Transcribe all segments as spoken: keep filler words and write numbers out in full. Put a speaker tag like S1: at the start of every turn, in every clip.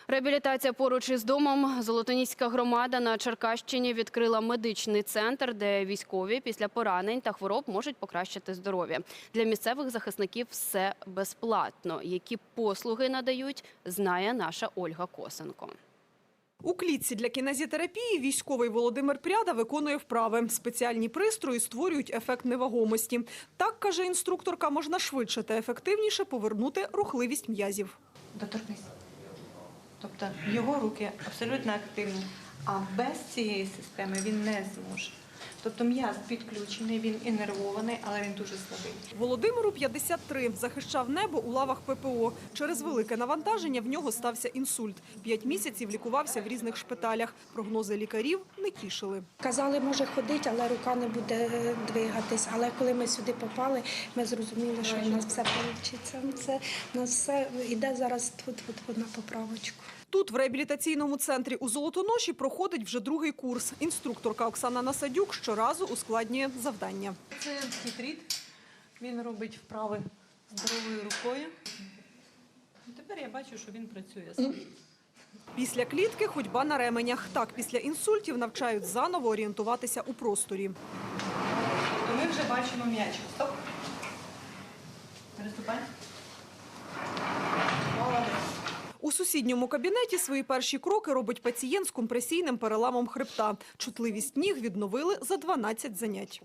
S1: Реабілітація поруч із домом. Золотоніська громада на Черкащині відкрила медичний центр, де військові після поранень та хвороб можуть покращити здоров'я. Для місцевих захисників все безплатно. Які послуги надають, знає наша Ольга Косенко.
S2: У клітці для кінезітерапії військовий Володимир Пряда виконує вправи. Спеціальні пристрої створюють ефект невагомості. Так, каже інструкторка, можна швидше та ефективніше повернути рухливість м'язів.
S3: Доторкнись. Тобто його руки абсолютно активні, а без цієї системи він не зможе. Тобто м'яз підключений, він інервований, але він дуже слабий.
S2: Володимиру п'ятдесят три. Захищав небо у лавах ППО. Через велике навантаження в нього стався інсульт. П'ять місяців лікувався в різних шпиталях. Прогнози лікарів не тішили.
S4: Казали, може ходити, але рука не буде двигатись. Але коли ми сюди попали, ми зрозуміли, що в нас все вийде. Це, у нас все йде зараз тут, тут, тут на поправочку.
S2: Тут, в реабілітаційному центрі у Золотоноші, проходить вже другий курс. Інструкторка Оксана Насадюк щоразу ускладнює завдання.
S3: Це хитріт, він робить вправи здоровою рукою. І тепер я бачу, що він працює.
S2: Після клітки ходьба на ременях. Так, після інсультів навчають заново орієнтуватися у просторі.
S3: То ми вже бачимо м'ячик. Стоп. Переступай. Молодець.
S2: У сусідньому кабінеті свої перші кроки робить пацієнт з компресійним переламом хребта. Чутливість ніг відновили за дванадцять занять.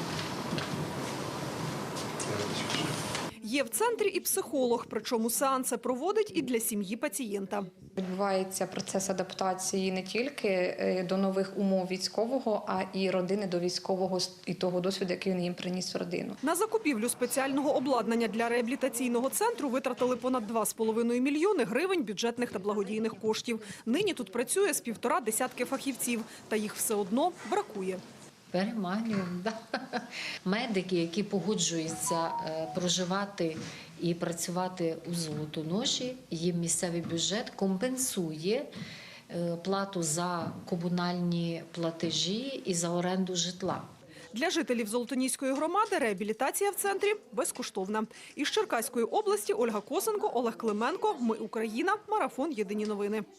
S2: Є в центрі і психолог, причому сеанси проводить і для сім'ї пацієнта.
S5: Відбувається процес адаптації не тільки до нових умов військового, а і родини до військового і того досвіду, який він їм приніс в родину.
S2: На закупівлю спеціального обладнання для реабілітаційного центру витратили понад два з половиною мільйони гривень бюджетних та благодійних коштів. Нині тут працює з півтора десятки фахівців, та їх все одно бракує.
S6: Переманюємо, да. Медики, які погоджуються проживати і працювати у Золотоноші, їм місцевий бюджет компенсує плату за комунальні платежі і за оренду житла.
S2: Для жителів Золотоніської громади реабілітація в центрі безкоштовна. Із Черкаської області Ольга Косенко, Олег Клименко. Ми Україна. Марафон. Єдині новини.